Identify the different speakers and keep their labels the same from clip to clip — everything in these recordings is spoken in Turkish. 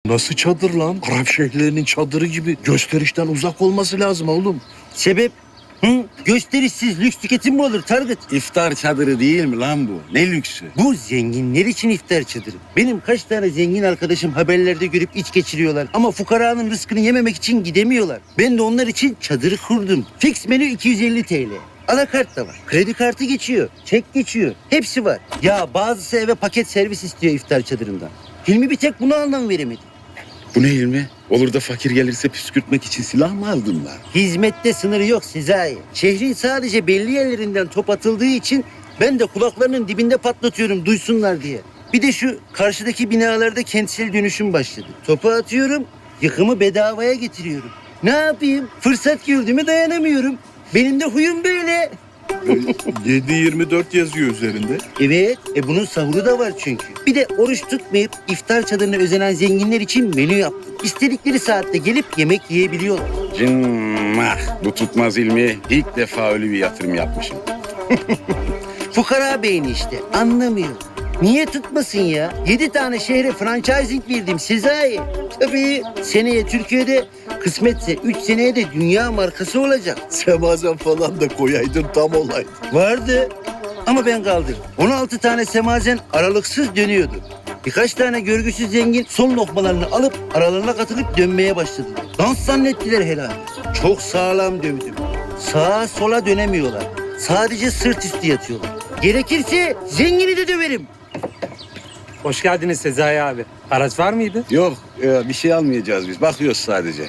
Speaker 1: Nasıl çadır lan? Arap şeyhlerinin çadırı gibi gösterişten uzak olması lazım oğlum.
Speaker 2: Sebep? Hı? Gösterişsiz lüks tüketim mi olur Target?
Speaker 3: İftar çadırı değil mi lan bu? Ne lüksü?
Speaker 2: Bu zenginler için iftar çadırı. Benim kaç tane zengin arkadaşım haberlerde görüp iç geçiriyorlar. Ama fukaranın rızkını yememek için gidemiyorlar. Ben de onlar için çadırı kurdum. Fix menü 250 TL. Alakart da var. Kredi kartı geçiyor. Çek geçiyor. Hepsi var. Ya bazısı eve paket servis istiyor iftar çadırından. Hilmi bir tek buna anlam veremedi.
Speaker 3: Bu ne Hilmi? Olur da fakir gelirse püskürtmek için silah mı aldın lan?
Speaker 2: Hizmette sınırı yok Sezai. Şehrin sadece belli yerlerinden top atıldığı için ben de kulaklarının dibinde patlatıyorum duysunlar diye. Bir de şu karşıdaki binalarda kentsel dönüşüm başladı. Topu atıyorum, yıkımı bedavaya getiriyorum. Ne yapayım? Fırsat gördüğüme dayanamıyorum. Benim de huyum böyle.
Speaker 1: 7-24 yazıyor üzerinde.
Speaker 2: Evet, bunun sahuru da var çünkü. Bir de oruç tutmayıp iftar çadırına özenen zenginler için menü yaptım. İstedikleri saatte gelip yemek yiyebiliyorlar.
Speaker 3: Cimmah. Bu tutmaz Hilmi. İlk defa öyle bir yatırım yapmışım.
Speaker 2: Fukara beyni işte, anlamıyor. Niye tutmasın ya? 7 tane şehre franchising verdim Sezai. Tabii seneye Türkiye'de, kısmetse 3 seneye de dünya markası olacak.
Speaker 1: Semazen falan da koyaydın tam olaydı.
Speaker 2: Vardı ama ben kaldırdım. 16 tane semazen aralıksız dönüyordu. Birkaç tane görgüsüz zengin son lokmalarını alıp aralarına katılıp dönmeye başladılar. Dans zannettiler helal. Çok sağlam dövdüm. Sağa sola dönemiyorlar. Sadece sırt üstü yatıyorlar. Gerekirse zengini de döverim.
Speaker 4: Hoş geldiniz Sezai abi. Araç var mıydı?
Speaker 3: Yok, bir şey almayacağız biz. Bakıyoruz sadece.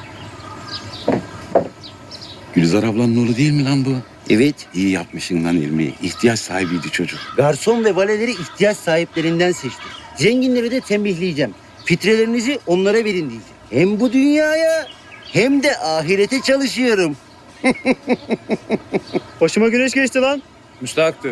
Speaker 3: Gülizar ablanın oğlu değil mi lan bu?
Speaker 2: Evet,
Speaker 3: İyi yapmışsın lan Hilmi. İhtiyaç sahibiydi çocuk.
Speaker 2: garson ve valeleri ihtiyaç sahiplerinden seçtim. Zenginleri de tembihleyeceğim. Fitrelerinizi onlara verin diyeceğim. Hem bu dünyaya hem de ahirete çalışıyorum.
Speaker 4: Başıma güneş geçti lan. Müstahaktır.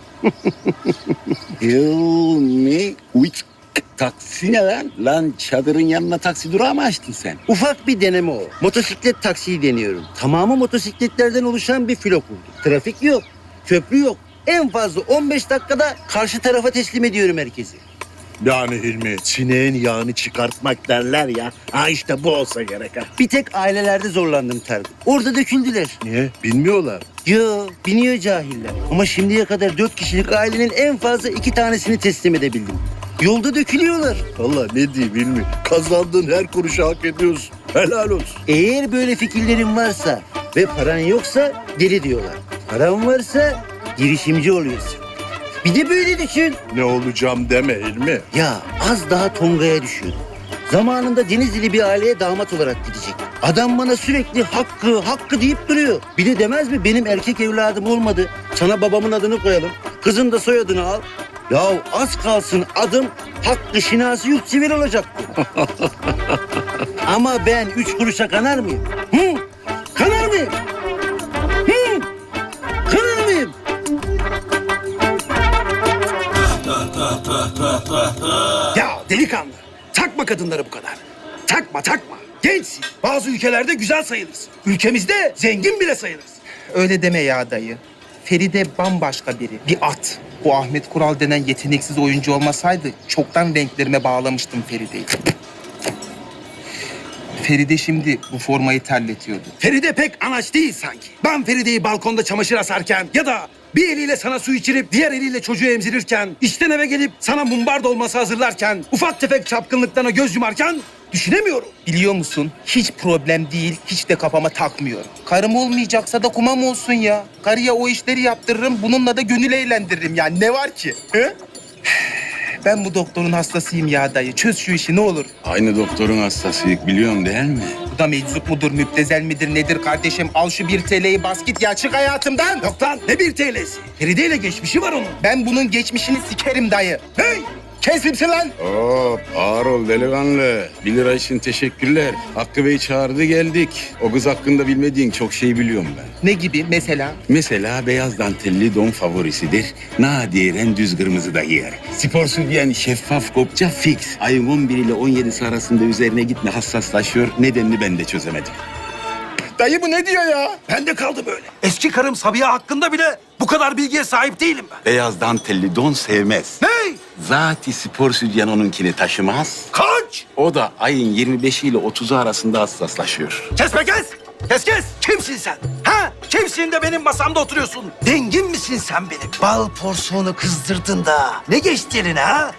Speaker 3: Hilmi, uç taksi ne lan? Lan çadırın yanına taksi durağı mı açtın sen?
Speaker 2: Ufak bir deneme o. Motosiklet taksiyi deniyorum. Tamamı motosikletlerden oluşan bir filo kurdum. Trafik yok, köprü yok. En fazla 15 dakikada karşı tarafa teslim ediyorum herkesi.
Speaker 1: Yani Hilmi, sineğin yağını çıkartmak derler ya. Ha işte bu olsa gerek ha.
Speaker 2: Bir tek ailelerde zorlandım Tarık. Orada döküldüler.
Speaker 1: Niye? Bilmiyorlar.
Speaker 2: Yo, biniyor cahiller. Ama şimdiye kadar 4 kişilik ailenin en fazla 2 tanesini teslim edebildim. Yolda dökülüyorlar.
Speaker 1: Vallahi ne diyeyim Hilmi, kazandığın her kuruşu hak ediyorsun. Helal olsun.
Speaker 2: Eğer böyle fikirlerin varsa ve paran yoksa deli diyorlar. Paran varsa girişimci oluyorsun. Bir de böyle düşün.
Speaker 1: Ne olacağım deme Hilmi.
Speaker 2: Ya az daha Tonga'ya düşüyordum. Zamanında Denizli'li bir aileye damat olarak gidecek. Adam bana sürekli hakkı deyip duruyor. Bir de demez mi benim erkek evladım olmadı. Sana babamın adını koyalım. Kızın da soyadını al. Ya az kalsın adım Hakkı Şinasi Yurtsever olacaktı. Ama ben 3 kuruşa kanar mıyım? Hı? Kanar mıyım? Hı? Kanar mıyım?
Speaker 5: Ya delikanlı, takma kadınları bu kadar. Takma. Gençsin. Bazı ülkelerde güzel sayılırsın. Ülkemizde zengin bile sayılırsın.
Speaker 6: Öyle deme ya dayı. Feride bambaşka biri. Bir at. Bu Ahmet Kural denen yeteneksiz oyuncu olmasaydı çoktan renklerime bağlamıştım Feride'yi. Feride şimdi bu formayı terletiyordu.
Speaker 5: Feride pek anaç değil sanki. Ben Feride'yi balkonda çamaşır asarken ya da bir eliyle sana su içirip diğer eliyle çocuğu emzirirken, işten eve gelip sana mumbar dolması hazırlarken, ufak tefek çapkınlıklarına göz yumarken düşünemiyorum.
Speaker 6: Biliyor musun? Hiç problem değil, hiç de kafama takmıyorum. Karım olmayacaksa da kumam olsun ya. Karıya o işleri yaptırırım, bununla da gönül eğlendiririm. Yani ne var ki? He? Ben bu doktorun hastasıyım ya dayı. Çöz şu işi ne olur.
Speaker 3: Aynı doktorun hastasıyık biliyorsun değil mi?
Speaker 6: Bu da meczup mudur, müptezel midir, nedir kardeşim? Al şu 1 TL'yi bas git ya, çık hayatımdan.
Speaker 5: Yok lan, ne 1 TL'si? Feride ile geçmişi var onun.
Speaker 6: Ben bunun geçmişini sikerim dayı.
Speaker 5: Hey!
Speaker 6: Kes kimsin lan?
Speaker 3: Hop ağır ol delikanlı. 1 lira için teşekkürler. Hakkı Bey çağırdı geldik. O kız hakkında bilmediğin çok şey biliyorum ben.
Speaker 6: Ne gibi mesela?
Speaker 3: Mesela beyaz dantelli don favorisidir. Nadiren düz kırmızı da giyer. Spor sütyen şeffaf kopça fix. Ayın 11 ile 17'si arasında üzerine gitme hassaslaşıyor. Nedenini ben de çözemedim.
Speaker 6: Dayı bu ne diyor ya?
Speaker 5: Ben de kaldım öyle. Eski karım Sabiha hakkında bile bu kadar bilgiye sahip değilim ben.
Speaker 3: Beyaz dantelli don sevmez.
Speaker 5: Hey!
Speaker 3: Zati spor sütyen onunkini taşımaz.
Speaker 5: Koç!
Speaker 3: O da ayın 25 ile 30'u arasında hassaslaşıyor.
Speaker 5: Kes be kes! Kes kes! Kimsin sen? Ha? Kimsin de benim masamda oturuyorsun? Dengin misin sen benim? Bal porsiyonu kızdırdın da. Ne geçti eline ha?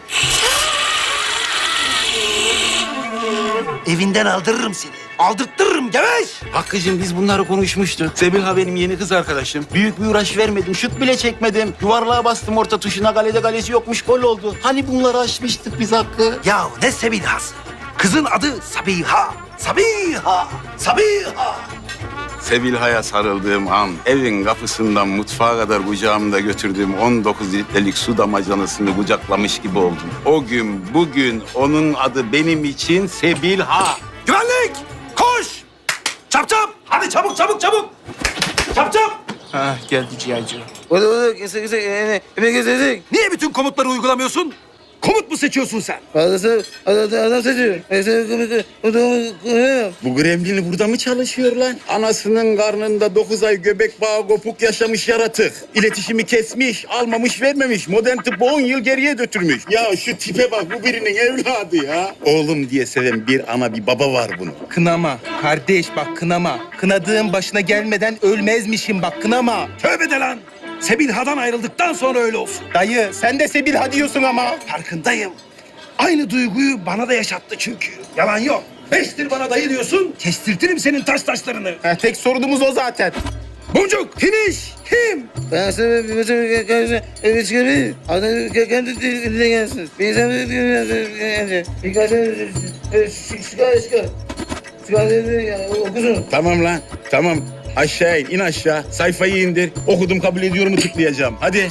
Speaker 5: Evinden aldırırım seni. Aldırttırırım geveş!
Speaker 3: Hakkı'cığım biz bunları konuşmuştuk. Sebilha benim yeni kız arkadaşım. Büyük bir uğraş vermedim, şut bile çekmedim. Yuvarlığa bastım orta tuşuna, kalede kalesi yokmuş, gol oldu. Hani bunları aşmıştık biz Hakkı?
Speaker 5: Ya ne Sebiha'sı? Kızın adı Sabiha. Sabiha! Sabiha!
Speaker 3: Sebilha'ya sarıldığım an, evin kapısından mutfağa kadar kucağımda götürdüğüm 19 litrelik su damacanasını kucaklamış gibi oldum. O gün, bugün onun adı benim için Sebilha.
Speaker 5: Güvenlik! Koş! Çap çap! Hadi çabuk çabuk çabuk! Çap çap!
Speaker 6: Ha geldi ciğerci.
Speaker 5: Niye bütün komutları uygulamıyorsun? Komut mu seçiyorsun sen?
Speaker 3: Bu gremlini burada mı çalışıyor lan? Anasının karnında 9 ay göbek bağı kopuk yaşamış yaratık. İletişimi kesmiş, almamış vermemiş. Modern tıbbı 10 yıl geriye götürmüş. Ya şu tipe bak, bu birinin evladı ya. Oğlum diye seven bir ana bir baba var bunun.
Speaker 6: Kınama. Kardeş bak kınama. Kınadığın başına gelmeden ölmezmişim bak kınama.
Speaker 5: Tövbe de lan! Sebilha'dan ayrıldıktan sonra öyle olsun.
Speaker 6: Dayı sen de Sebilha diyorsun ama.
Speaker 5: Farkındayım. Aynı duyguyu bana da yaşattı çünkü. Yalan yok. Beştir bana dayı diyorsun, kestirtirim senin taşlarını.
Speaker 6: Ha, tek sorunumuz o zaten.
Speaker 5: Boncuk, finish, kim?
Speaker 7: Ben sana bir maça evet çıkabilir. Adam kendi diline gelsin. Bir sana birkaç çıkar. Okusun.
Speaker 3: Tamam lan, tamam. Aşağı in aşağı. Sayfayı indir. Okudum kabul ediyorumu tıklayacağım. Hadi.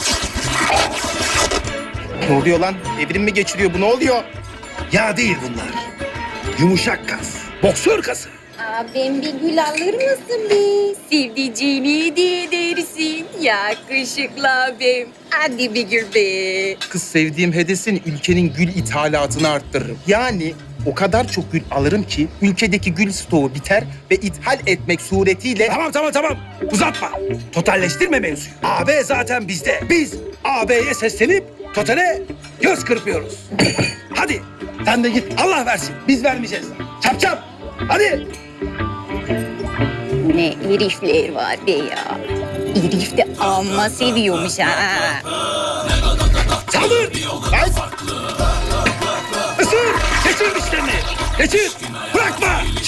Speaker 6: Ne oluyor lan? Evrim mi geçiriyor bu ne oluyor?
Speaker 5: Ya değil bunlar. Yumuşak kas, boksör kası.
Speaker 8: Abim bir gül alır mısın be? Sevdiceğini hediye edersin. Yakışıklı abim. Hadi bir gül be.
Speaker 6: Kız sevdiğim hedesin ülkenin gül ithalatını arttırırım. Yani o kadar çok gül alırım ki ülkedeki gül stoğu biter ve ithal etmek suretiyle...
Speaker 5: Tamam. Uzatma. Totalleştirme mevzuyu. AB zaten bizde. Biz AB'ye seslenip totale göz kırpıyoruz. Hadi sen de git. Allah versin. Biz vermeyeceğiz. Çap. Hadi.
Speaker 8: Ne herifler var be ya. Herif de amma seviyormuş ha.
Speaker 5: Saldır. Ay. Isır. Geçir dişlerini. Geçir. Bırakma.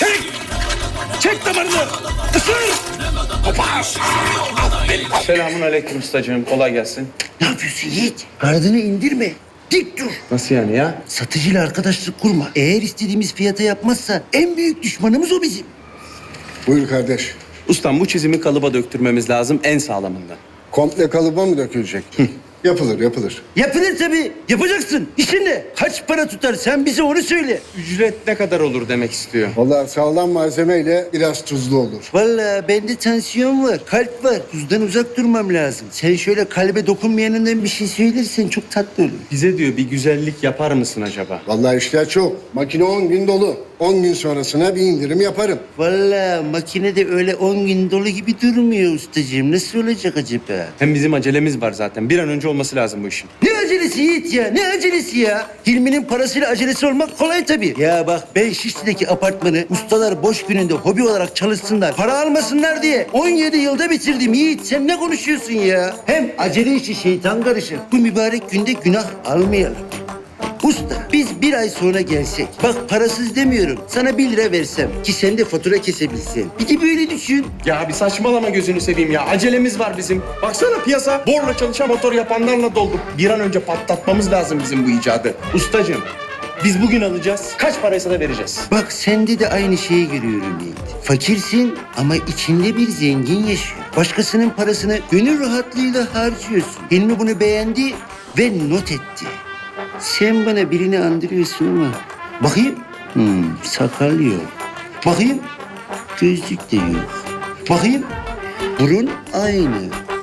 Speaker 5: Çek damarını. Isır. Kopar.
Speaker 4: Selamun aleyküm ustacığım. Kolay gelsin.
Speaker 2: Ne yapıyorsun Yiğit? Gardını indirme. Dik dur.
Speaker 4: Nasıl yani ya?
Speaker 2: Satıcıyla arkadaşlık kurma. Eğer istediğimiz fiyata yapmazsa en büyük düşmanımız o bizim.
Speaker 9: Buyur kardeş.
Speaker 4: Ustam bu çizimi kalıba döktürmemiz lazım en sağlamından.
Speaker 9: Komple kalıba mı dökülecek? Yapılır.
Speaker 2: Yapılır tabii. Yapacaksın. İşin ne? Kaç para tutar? Sen bize onu söyle.
Speaker 4: Ücret ne kadar olur demek istiyor.
Speaker 9: Vallahi sağlam malzemeyle biraz tuzlu olur.
Speaker 2: Vallahi bende tansiyon var, kalp var. Tuzdan uzak durmam lazım. Sen şöyle kalbe dokunmayanından bir şey söylersen çok tatlı olur.
Speaker 4: Bize diyor bir güzellik yapar mısın acaba?
Speaker 9: Vallahi işler çok. Makine 10 gün dolu. 10 gün sonrasına bir indirim yaparım.
Speaker 2: Vallahi makinede öyle 10 gün dolu gibi durmuyor ustacığım. Nasıl olacak acaba?
Speaker 4: Hem bizim acelemiz var zaten. Bir an önce olması lazım bu işin.
Speaker 2: Ne acelesi Yiğit ya? Ne acelesi ya? Hilmi'nin parasıyla acelesi olmak kolay tabii. Ya bak ben Şişli'deki apartmanı ustalar boş gününde hobi olarak çalışsınlar, para almasınlar diye 17 yılda bitirdim Yiğit. Sen ne konuşuyorsun ya? Hem acele işi şeytan karışır. Bu mübarek günde günah almayalım. Usta biz bir ay sonra gelsek, bak parasız demiyorum, sana 1 lira versem ki sen de fatura kesebilsen. Bir de böyle düşün.
Speaker 4: Ya bir saçmalama gözünü seveyim ya. Acelemiz var bizim. Baksana piyasa borla çalışan motor yapanlarla doldu. Bir an önce patlatmamız lazım bizim bu icadı. Ustacığım biz bugün alacağız. Kaç paraysa da vereceğiz.
Speaker 2: Bak sende de aynı şeyi görüyorum Yiğit. Fakirsin ama içinde bir zengin yaşıyor. Başkasının parasını gönül rahatlığıyla harcıyorsun. Hilmi bunu beğendi ve not etti. Sen bana birini andırıyorsun ama. Bakayım. Sakal yok. Bakayım. Gözlük de yok. Bakayım. Burun aynı.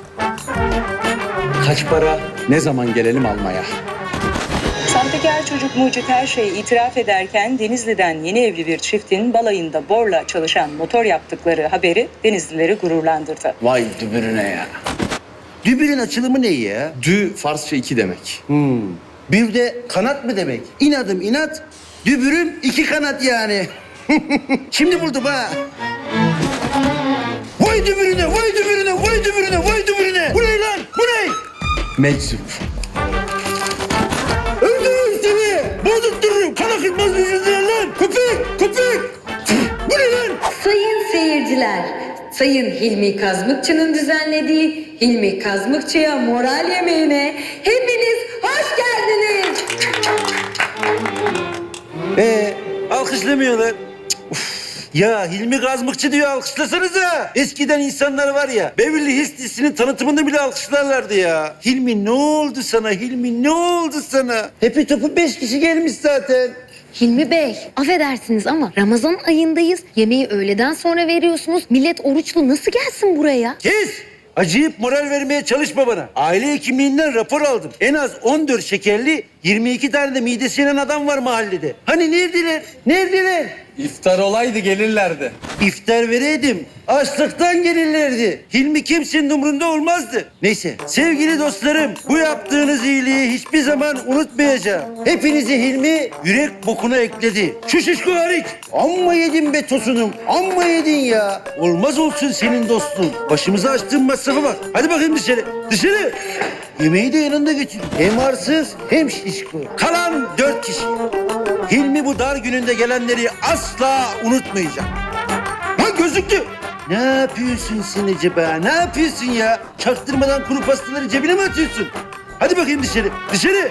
Speaker 4: Kaç para? Ne zaman gelelim almaya?
Speaker 10: Sahtekar çocuk Mucit her şeyi itiraf ederken Denizli'den yeni evli bir çiftin balayında borla çalışan motor yaptıkları haberi Denizlileri gururlandırdı.
Speaker 4: Vay dübürüne ya.
Speaker 2: Dübürün açılımı ne ya?
Speaker 4: Dü Farsça 2 demek.
Speaker 2: Bir de kanat mı demek? İnadım inat, dübürüm iki kanat yani. Şimdi buldum ha. Vay dübürüne, vay dübürüne, vay dübürüne, vay dübürüne. Bu ne lan? Bu ne?
Speaker 5: Meczup.
Speaker 2: Öldürürüm seni. Bozuttururum. Kan akıtmaz yüzünden lan. Köpek, köpek. Bu ne lan?
Speaker 8: Sayın seyirciler, Sayın Hilmi Kazmıkçı'nın düzenlediği Hilmi Kazmıkçı'ya moral yemeğine hepiniz hoş geldiniz.
Speaker 2: Alkışlamıyorlar. Uf. Ya Hilmi Kazmıkçı diyor alkışlasanıza. Eskiden insanlar var ya Beverly Hills dizisinin tanıtımında bile alkışlarlardı ya. Hilmi ne oldu sana Hilmi ne oldu sana? Hepi topu 5 kişi gelmiş zaten.
Speaker 8: Hilmi Bey, affedersiniz ama Ramazan ayındayız. Yemeği öğleden sonra veriyorsunuz. Millet oruçlu nasıl gelsin buraya?
Speaker 2: Kes! Acıyıp moral vermeye çalışma bana. Aile hekimliğinden rapor aldım. En az 14 şekerli 22 tane de midesi yanan adam var mahallede. Hani neredeler? Neredeler?
Speaker 4: İftar olaydı gelirlerdi.
Speaker 2: İftar vereydim. Açlıktan gelirlerdi. Hilmi kimsenin umurunda olmazdı. Neyse sevgili dostlarım bu yaptığınız iyiliği hiçbir zaman unutmayacağım. Hepinizi Hilmi yürek bokuna ekledi. Şu şişko hariç. Amma yedin be tosunum. Amma yedin ya. Olmaz olsun senin dostluğun. Başımıza açtığın masrafa bak. Hadi bakayım dışarı. Dışarı. Yemeği de yanında götür. Hem arsız hem şişko. Kalan 4 kişi. Hilmi bu dar gününde gelenleri asla unutmayacak. Lan gözüktü. Ne yapıyorsun sen acaba? Ne yapıyorsun ya? Çaktırmadan kuru pastaları cebine mi atıyorsun? Hadi bakayım dışarı. Dışarı.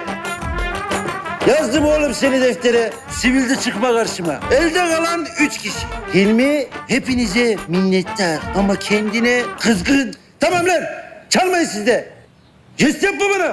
Speaker 2: Yazdım oğlum seni deftere. Sivilde çıkma karşıma. Elde kalan 3 kişi. Hilmi hepinize minnettar ama kendine kızgın. Tamam lan. Çalmayın siz de. Jest yapma bana.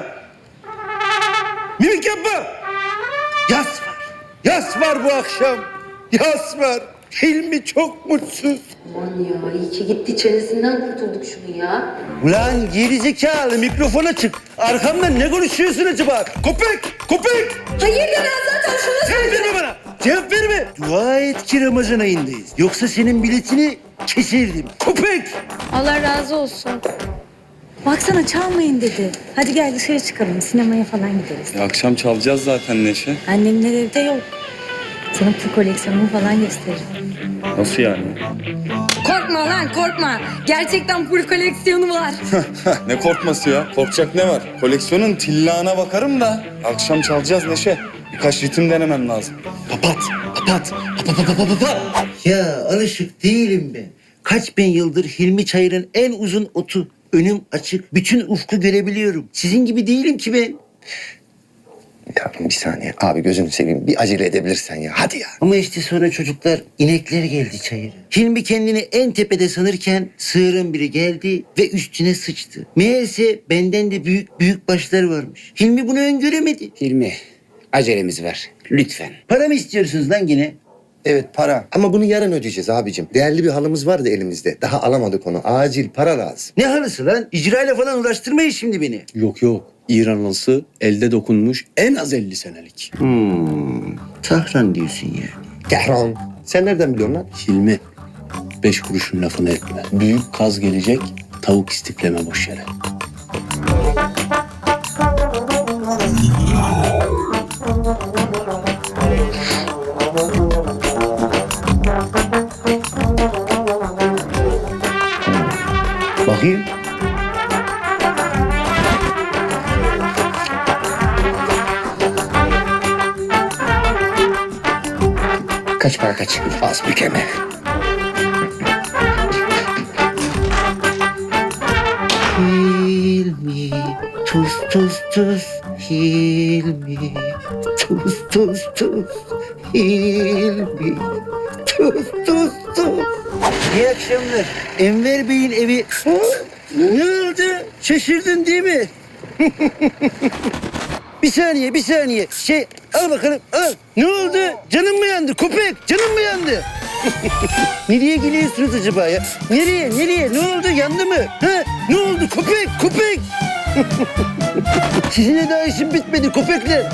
Speaker 2: Mimik yapma. Yas var. Yas var bu akşam. Yas var. Hilmi çok mutsuz.
Speaker 8: Aman ya, iyi ki gitti çenesinden kurtulduk şunu ya.
Speaker 2: Ulan gerizekalı mikrofona çık. Arkamdan ne konuşuyorsun acaba? Köpek! Köpek!
Speaker 8: Hayırdır ben zaten şunu
Speaker 2: Cevap verme bana! Cevap verme! Dua et ki Ramazan ayındayız. Yoksa senin biletini keserdim. Köpek!
Speaker 8: Allah razı olsun.
Speaker 11: Baksana çalmayın dedi. Hadi gel dışarı çıkalım. Sinemaya falan gideriz.
Speaker 4: Akşam çalacağız zaten Neşe.
Speaker 11: Annemler evde yok. Sana pul koleksiyonumu falan gösteririm.
Speaker 4: Nasıl yani?
Speaker 8: Korkma lan korkma. Gerçekten full koleksiyonu var.
Speaker 4: Ne korkması ya? Korkacak ne var? Koleksiyonun tillağına bakarım da. Akşam çalacağız Neşe. Birkaç ritim denemem lazım.
Speaker 2: Papat! Papat! Papat! Ya alışık değilim ben. Kaç bin yıldır Hilmi Çayır'ın en uzun otu. Önüm açık. Bütün ufku görebiliyorum. Sizin gibi değilim ki ben.
Speaker 7: Ya bir saniye abi gözünü seveyim bir acele edebilirsen ya hadi ya.
Speaker 2: Ama işte sonra çocuklar inekler geldi çayıra. Hilmi kendini en tepede sanırken sığırın biri geldi ve üstüne sıçtı. Meğerse benden de büyük başlar varmış. Hilmi bunu öngöremedi.
Speaker 7: Hilmi acelemiz var lütfen.
Speaker 2: Para mı istiyorsunuz lan yine?
Speaker 7: Evet para ama bunu yarın ödeyeceğiz abicim. Değerli bir halımız vardı elimizde. Daha alamadık onu. Acil para lazım.
Speaker 2: Ne halısı lan? İcrayla falan uğraştırmayın şimdi beni.
Speaker 12: Yok yok. İran halısı elde dokunmuş en az 50 senelik.
Speaker 2: Tahran diyorsun yani.
Speaker 7: Tehran. Sen nereden biliyorsun lan?
Speaker 12: Hilmi 5 kuruşun lafını etme. Büyük kaz gelecek, tavuk istifleme boş yere.
Speaker 2: Bakayım.
Speaker 7: Kaç para kaç? Az bir keme.
Speaker 2: Hilmi, tuz tuz tuz. Hilmi, tuz tuz tuz. Hilmi, tuz tuz tuz. İyi akşamlar. Enver Bey'in evi... Ne oldu? Şaşırdın değil mi? Bir saniye. Al bakalım, al. Ne oldu? Canın mı yandı? Köpek, canın mı yandı? Nereye gülüyorsunuz acaba ya? Nereye? Ne oldu? Yandı mı? Ha? Ne oldu? Köpek! Sizinle daha işim bitmedi köpekler.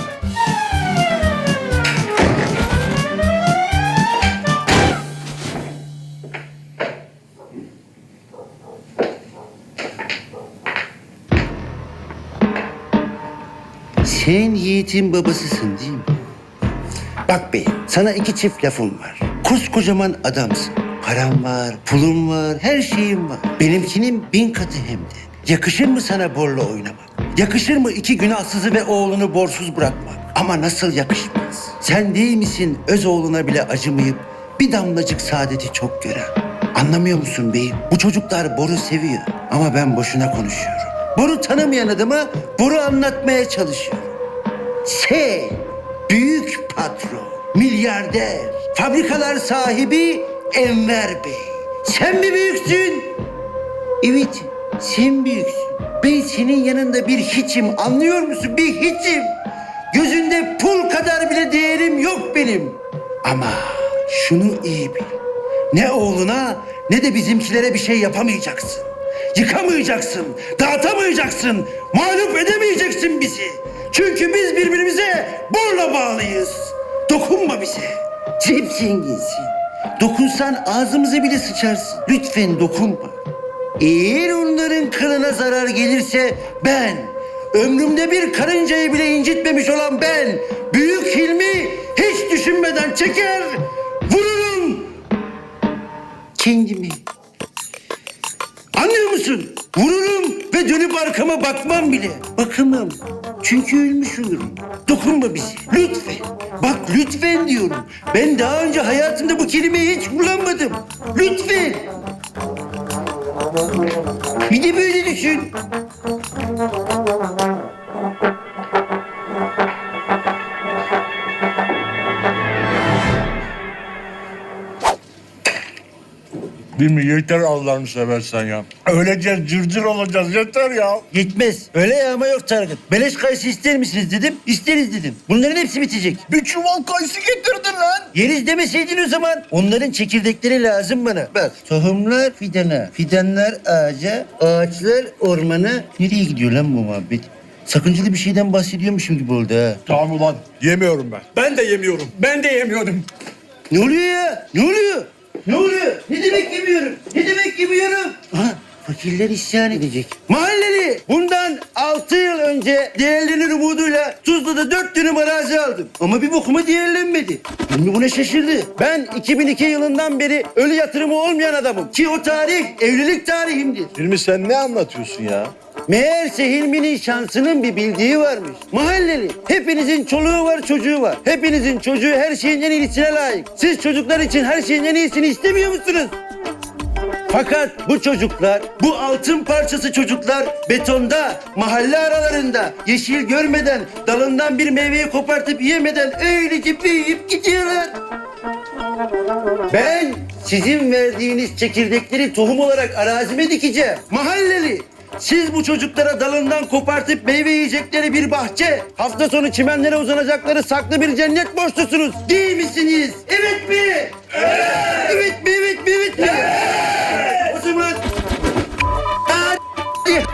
Speaker 2: Sen Yiğit'in babasısın değil mi? Bak bey, sana iki çift lafım var. Koskocaman adamsın. Param var, pulum var, her şeyim var. Benimkinin 1000 katı hem de. Yakışır mı sana borla oynamak? Yakışır mı iki günahsızı ve oğlunu borsuz bırakmak? Ama nasıl yakışmaz? Sen değil misin öz oğluna bile acımayıp bir damlacık saadeti çok gören? Anlamıyor musun beyim? Bu çocuklar boru seviyor. Ama ben boşuna konuşuyorum. Boru tanımayan adama boru anlatmaya çalışıyorum. Sen büyük patron, milyarder, fabrikalar sahibi Enver Bey. Sen mi büyüksün? Evet, sen büyüksün. Ben senin yanında bir hiçim, anlıyor musun? Bir hiçim. Gözünde pul kadar bile değerim yok benim. Ama şunu iyi bil. Ne oğluna ne de bizimkilere bir şey yapamayacaksın. Yıkamayacaksın, dağıtamayacaksın, mağlup edemeyeceksin bizi. Çünkü biz birbirimize borla bağlıyız. Dokunma bize. Hep zenginsin. Dokunsan ağzımıza bile sıçarsın. Lütfen dokunma. Eğer onların kılına zarar gelirse ben, ömrümde bir karıncayı bile incitmemiş olan ben, Büyük Hilmi hiç düşünmeden çeker, vururum kendimi. Anlıyor musun? Vururum ve dönüp arkama bakmam bile. Bakamam. Çünkü ölmüş olurum. Dokunma bize. Lütfen. Bak lütfen diyorum. Ben daha önce hayatımda bu kelimeyi hiç kullanmadım. Lütfen. Bir de böyle düşün.
Speaker 1: Değil mi? Yeter Allah'ını seversen ya. Öylece cırcır olacağız yeter ya.
Speaker 2: Yetmez. Öyle yağma yok Tarık. Beleş kayısı ister misiniz dedim. İsteriz dedim. Bunların hepsi bitecek.
Speaker 1: Bir çuval kayısı getirdin lan.
Speaker 2: Yeriz demeseydin o zaman. Onların çekirdekleri lazım bana. Bak tohumlar fidana, fidanlar ağaca, ağaçlar ormana. Nereye gidiyor lan bu muhabbet? Sakıncalı bir şeyden bahsediyormuşum gibi oldu ha.
Speaker 1: Tamam ulan yemiyorum ben.
Speaker 4: Ben de yemiyorum. Ben de yemiyorum.
Speaker 2: Ne oluyor ya? Ne oluyor? Ne oluyor? Ne demek yemiyorum? Ne demek yemiyorum? Ha, fakirler isyan edecek. Mahalleli bundan 6 yıl önce değerlenir umuduyla Tuzla'da 4 dönüm arazi aldım. Ama bir bokuma değerlenmedi. Hilmi buna şaşırdı. Ben 2002 yılından beri ölü yatırımı olmayan adamım. Ki o tarih evlilik tarihimdir.
Speaker 1: Hilmi sen ne anlatıyorsun ya?
Speaker 2: Meğerse Hilmi'nin şansının bir bildiği varmış. Mahalleli, hepinizin çoluğu var, çocuğu var. Hepinizin çocuğu her şeyin en iyisine layık. Siz çocuklar için her şeyin en iyisini istemiyor musunuz? Fakat bu çocuklar, bu altın parçası çocuklar betonda, mahalle aralarında, yeşil görmeden, dalından bir meyveyi kopartıp yemeden öylece büyüyüp gidiyorlar. Ben sizin verdiğiniz çekirdekleri tohum olarak arazime dikeceğim. Mahalleli, siz bu çocuklara dalından kopartıp meyve yiyecekleri bir bahçe, hafta sonu çimenlere uzanacakları saklı bir cennet borçlusunuz. Değil misiniz? Evet mi? Evet. Evet mi? Evet mi? Evet mi? Evet. O zaman... Hadi.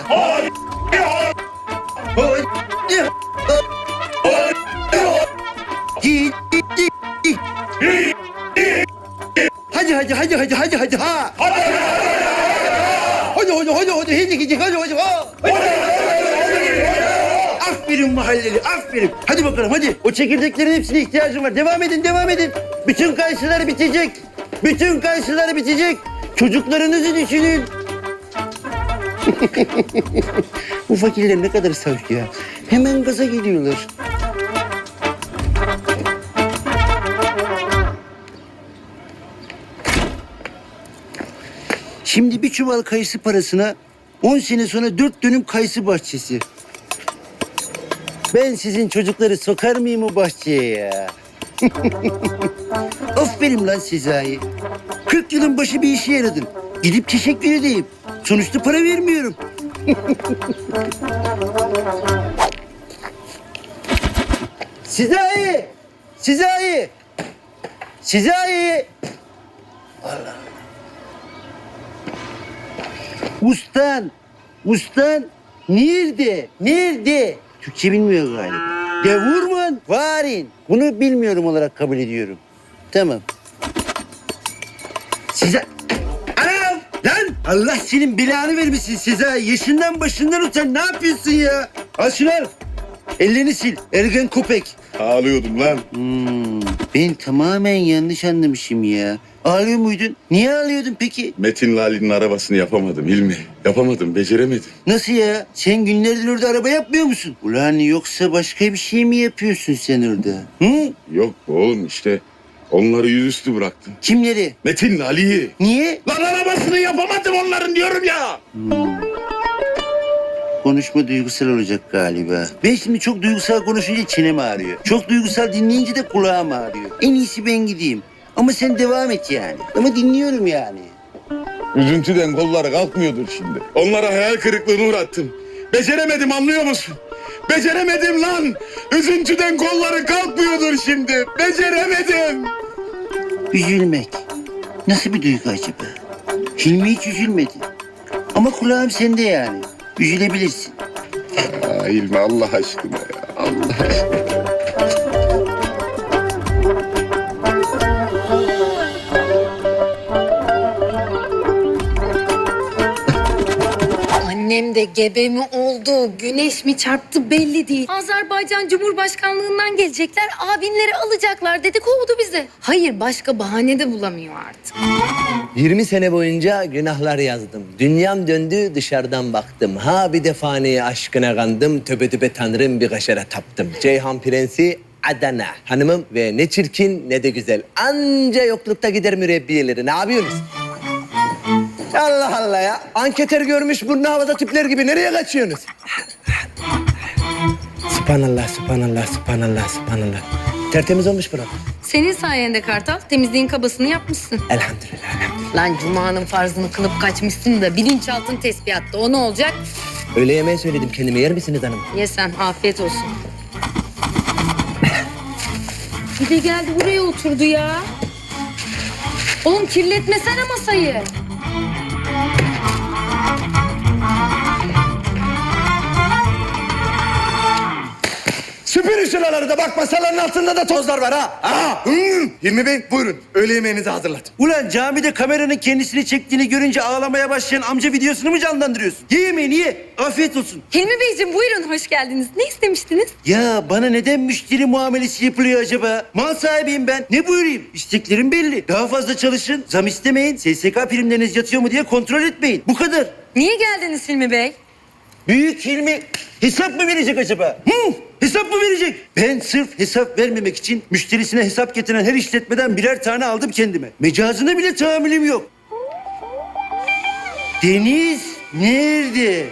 Speaker 2: Hadi ha. Hadi. Aferin mahalleli, aferin. Hadi bakalım hadi. O çekirdeklerin hepsine ihtiyacım var. Devam edin. Bütün kayısılar bitecek. Bütün kayısılar bitecek. Çocuklarınızı düşünün. Bu fakirler ne kadar saf ya. Hemen gaza geliyorlar. Şimdi bir çuval kayısı parasına 10 sene sonra 4 dönüm kayısı bahçesi. Ben sizin çocukları sokar mıyım o bahçeye ya? Aferin lan Sezai. 40 yılın başı bir işe yaradın. Gidip teşekkür edeyim. Sonuçta para vermiyorum. Sezai! Allah. Ustan nerede? Türkçe bilmiyor galiba. Der Wurman varin. Bunu bilmiyorum olarak kabul ediyorum. Tamam. Size... Anam! Lan! Allah senin belanı vermesin Sezai. Yaşından başından utan. Ne yapıyorsun ya? Al şunu al. Ellerini sil. Ergen köpek.
Speaker 3: Ağlıyordum lan.
Speaker 2: Ben tamamen yanlış anlamışım ya. Ağlıyor muydun? Niye ağlıyordun peki?
Speaker 3: Metin'le Ali'nin arabasını yapamadım Hilmi. Yapamadım, beceremedim.
Speaker 2: Nasıl ya? Sen günlerdir orada araba yapmıyor musun? Ulan yoksa başka bir şey mi yapıyorsun sen orada? Hı?
Speaker 3: Yok oğlum işte onları yüzüstü bıraktım.
Speaker 2: Kimleri?
Speaker 3: Metin'le Ali'yi.
Speaker 2: Niye?
Speaker 3: Lan arabasını yapamadım onların diyorum ya.
Speaker 2: Konuşma duygusal olacak galiba. Ben şimdi çok duygusal konuşunca çenem ağrıyor. Çok duygusal dinleyince de kulağım ağrıyor. En iyisi ben gideyim. Ama sen devam et yani. Ama dinliyorum yani.
Speaker 3: Üzüntüden kolları kalkmıyordur şimdi. Onlara hayal kırıklığına uğrattım. Beceremedim anlıyor musun? Beceremedim lan. Üzüntüden kolları kalkmıyordur şimdi. Beceremedim.
Speaker 2: Üzülmek. Nasıl bir duygu acaba? Hilmi hiç üzülmedi. Ama kulağım sende yani. Üzülebilirsin.
Speaker 3: Aa, Hilmi Allah aşkına ya. Allah aşkına.
Speaker 8: Annem de gebe mi oldu, güneş mi çarptı belli değil. Azerbaycan Cumhurbaşkanlığından gelecekler, abinleri alacaklar dedi, kovdu bizi. Hayır, başka bahane de bulamıyor artık.
Speaker 12: 20 sene boyunca günahlar yazdım. Dünyam döndü, dışarıdan baktım. Ha bir de fani aşkına kandım. Töbe töbe tanrım bir kaşara taptım. Ceyhan Prensi Adana hanımım ve ne çirkin ne de güzel. Anca yoklukta gider mürebbiyeleri. Ne yapıyorsunuz? Allah Allah ya. Anketer görmüş burnu havada tipler gibi. Nereye kaçıyorsunuz? Sübhanallah, sübhanallah, sübhanallah, sübhanallah. Tertemiz olmuş burası.
Speaker 8: Senin sayende Kartal, temizliğin kabasını yapmışsın.
Speaker 12: Elhamdülillah, elhamdülillah.
Speaker 8: Lan Cuma'nın farzını kılıp kaçmışsın da bilinçaltın tesbihatta. O ne olacak?
Speaker 12: Öğle yemeği söyledim kendime. Yer misiniz hanım?
Speaker 8: Ye sen, afiyet olsun. Bir de geldi buraya oturdu ya. Oğlum kirletmesene masayı.
Speaker 5: Süpürün şuraları da bak masaların altında da tozlar var ha. Hilmi Bey buyurun. Öğle yemeğinizi hazırladım.
Speaker 2: Ulan camide kameranın kendisini çektiğini görünce ağlamaya başlayan amca videosunu mu canlandırıyorsun? Ye yemeğini ye. Afiyet olsun.
Speaker 8: Hilmi Beyciğim buyurun, hoş geldiniz. Ne istemiştiniz?
Speaker 2: Ya bana neden müşteri muamelesi yapılıyor acaba? Mal sahibiyim ben. Ne buyurayım? İsteklerim belli. Daha fazla çalışın, zam istemeyin, SSK primleriniz yatıyor mu diye kontrol etmeyin. Bu kadar.
Speaker 8: Niye geldiniz Hilmi Bey?
Speaker 2: Büyük Hilmi hesap mı verecek acaba? Hesap mı verecek? Ben sırf hesap vermemek için müşterisine hesap getiren her işletmeden birer tane aldım kendime. Mecazına bile tahammülüm yok. Deniz nerede?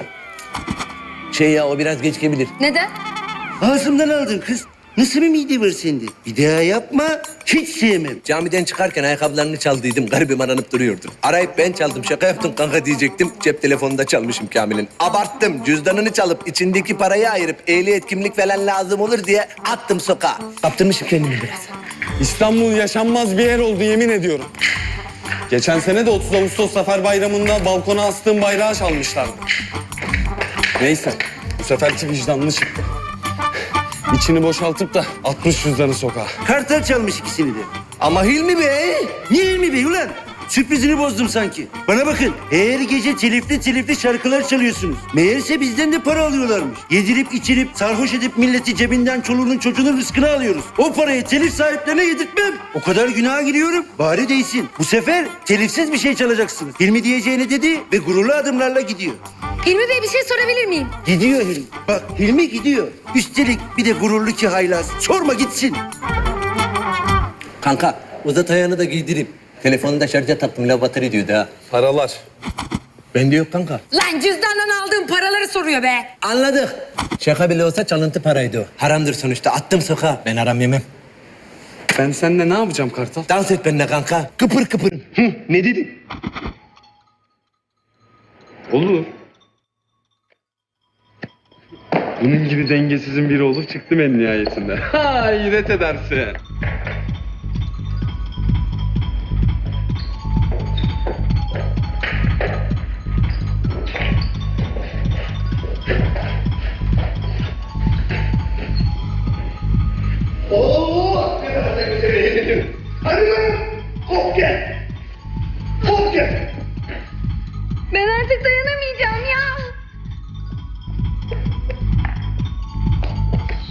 Speaker 12: O biraz geç gelebilir.
Speaker 8: Neden?
Speaker 2: Ağzımdan aldın kız. Nasıl bir mide var sende? Bir daha yapma. Hiç sevmem.
Speaker 12: Camiden çıkarken ayakkabılarını çaldıydım. Garibim aranıp duruyordu. Arayıp ben çaldım. Şaka yaptım kanka diyecektim. Cep telefonunda çalmışım Kamil'in. Abarttım. Cüzdanını çalıp içindeki parayı ayırıp ehliyet kimlik falan lazım olur diye attım sokağa. Kaptırmışım kendimi biraz.
Speaker 13: İstanbul yaşanmaz bir yer oldu yemin ediyorum. Geçen sene de 30 Ağustos Zafer Bayramı'nda balkona astığım bayrağı çalmışlardı. Neyse, bu seferki vicdanlı çıktı. İçini boşaltıp da atmış cüzdanı sokağa.
Speaker 2: Kartal çalmış ikisini de.
Speaker 12: Ama Hilmi Bey...
Speaker 2: Niye Hilmi Bey ulan? Sürprizini bozdum sanki. Bana bakın, her gece telifli şarkılar çalıyorsunuz. Meğerse bizden de para alıyorlarmış. Yedirip içirip, sarhoş edip milleti cebinden çoluğunun çocuğunun rızkını alıyoruz. O parayı telif sahiplerine yedirtmem. O kadar günaha giriyorum. Bari değsin. Bu sefer telifsiz bir şey çalacaksınız. Hilmi diyeceğini dedi ve gururlu adımlarla gidiyor.
Speaker 8: Hilmi Bey bir şey sorabilir miyim?
Speaker 2: Gidiyor Hilmi. Bak Hilmi gidiyor. Üstelik bir de gururlu ki haylaz. Sorma gitsin.
Speaker 12: Kanka uzat ayağını da giydireyim. Telefonu da şarja taktım. Lavatır diyordu ha.
Speaker 13: Paralar.
Speaker 12: Bende yok kanka.
Speaker 8: Lan cüzdandan aldığım paraları soruyor be.
Speaker 12: Anladık. Şaka bile olsa çalıntı paraydı o. Haramdır sonuçta. Attım sokağa. Ben haram yemem.
Speaker 13: Ben seninle ne yapacağım Kartal?
Speaker 12: Dans et benimle kanka. Kıpır kıpır.
Speaker 13: Ne dedin? Olur. Bunun gibi dengesizin biri olup çıktım en nihayetinde. Ha, hayret edersin.
Speaker 8: Ben artık dayanamayacağım ya.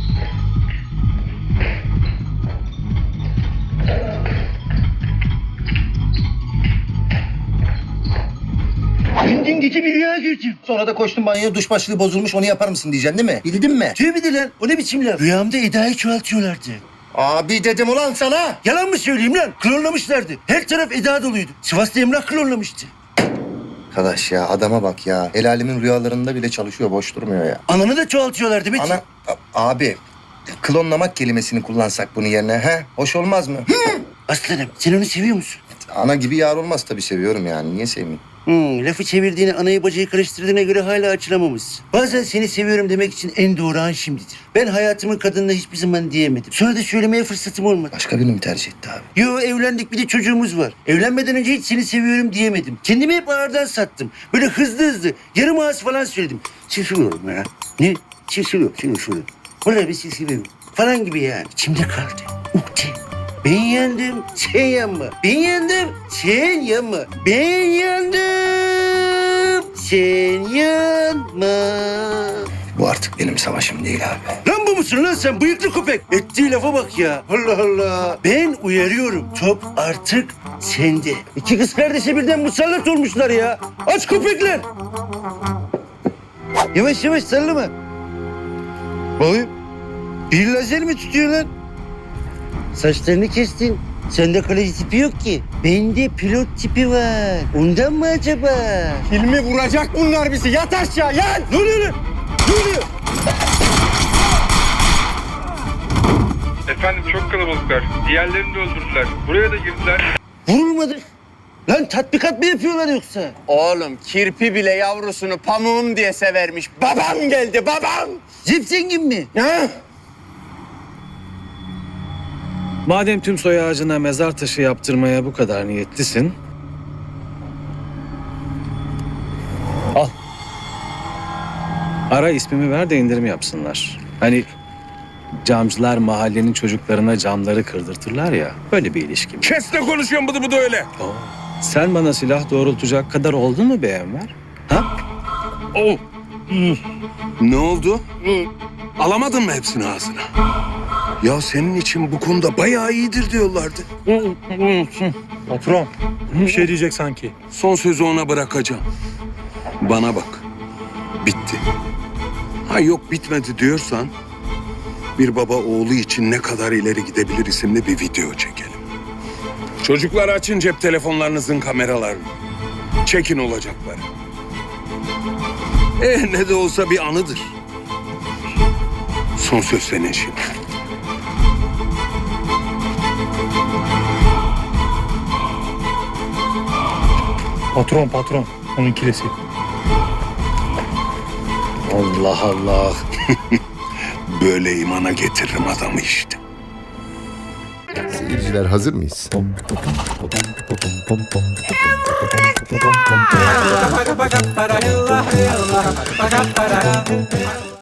Speaker 2: Dün bir rüya gördüm.
Speaker 6: Sonra da koştum banyoya, duş başlığı bozulmuş, onu yapar mısın diyeceksin değil mi? Bildin mi?
Speaker 2: Tövbe de lan. O ne biçim laf? Rüyamda Eda'yı çoğaltıyorlardı.
Speaker 6: Abi dedim ulan sana.
Speaker 2: Yalan mı söyleyeyim lan? Klonlamışlardı. Her taraf Eda doluydu. Sivas'ta Emrah klonlamıştı.
Speaker 6: Arkadaş ya, adama bak ya. El alemin rüyalarında bile çalışıyor, boş durmuyor ya.
Speaker 2: Ananı da çoğaltıyorlardı Metin.
Speaker 6: Abi, klonlamak kelimesini kullansak bunun yerine, he? Hoş olmaz mı?
Speaker 2: Aslanım sen onu seviyor musun?
Speaker 6: Ana gibi yar olmaz tabii, seviyorum yani. Niye sevmeyeyim?
Speaker 2: Lafı çevirdiğini, anayı bacayı karıştırdığına göre hala açılamamışsın. Bazen seni seviyorum demek için en doğru an şimdidir. Ben hayatımın kadınına hiçbir zaman diyemedim. Sonra da söylemeye fırsatım olmadı.
Speaker 6: Başka birini mi tercih etti abi?
Speaker 2: Yo, evlendik, bir de çocuğumuz var. Evlenmeden önce hiç seni seviyorum diyemedim. Kendimi hep ağırdan sattım. Böyle hızlı yarım ağız falan söyledim. Şaşırıyorum ya. Ne? Şaşırıyorum. Vallahi bir şey seviyorum. Falan gibi yani. İçimde kaldı. Ukde. Ben yandım, sen yanma. Ben yandım, sen yanma. Ben yandım, sen yanma.
Speaker 6: Bu artık benim savaşım değil abi.
Speaker 2: Lan bu musun lan sen bıyıklı köpek? Ettiği lafa bak ya. Allah Allah. Ben uyarıyorum. Top artık sende. İki kız kardeşe birden musallat olmuşlar ya. Aç köpekler. Yavaş sallama. Bakayım. Bir lazer mi tutuyor lan? Saçlarını kestin. Sende kaleci tipi yok ki. Bende pilot tipi var. Ondan mı acaba?
Speaker 4: Hilmi vuracak bunlar bizi. Yat aşağı yat.
Speaker 2: Ne oluyor lan? Ne oluyor?
Speaker 14: Efendim çok kalabalıklar. Diğerlerini de öldürdüler. Buraya da girdiler.
Speaker 2: Vurulmadık. Lan tatbikat mı yapıyorlar yoksa?
Speaker 6: Oğlum kirpi bile yavrusunu pamuğum diye severmiş. Babam geldi, babam.
Speaker 2: Zip zengin mi?
Speaker 6: Ha?
Speaker 15: Madem tüm soy ağacına mezar taşı yaptırmaya bu kadar niyetlisin... Al. Ara ismimi ver de indirim yapsınlar. Hani camcılar mahallenin çocuklarına camları kırdırtırlar ya. Böyle bir ilişki.
Speaker 3: Kes de konuşuyorsun bıdı öyle.
Speaker 15: Sen bana silah doğrultacak kadar oldun mu be Enver? Ha?
Speaker 3: Ne oldu? Alamadın mı hepsini ağzına? Ya senin için bu konuda bayağı iyidir diyorlardı.
Speaker 14: Patron bir şey diyecek sanki.
Speaker 3: Son sözü ona bırakacağım. Bana bak. Bitti. Ha yok bitmedi diyorsan... ...bir baba oğlu için ne kadar ileri gidebilir isimli bir video çekelim. Çocuklar açın cep telefonlarınızın kameralarını. Çekin olacakları. Ne de olsa bir anıdır. Son söz senin şimdi.
Speaker 14: Patron onun kilesi.
Speaker 15: Allah Allah.
Speaker 3: Böyle imana getiririm adamı işte.
Speaker 9: Seyirciler hazır mıyız?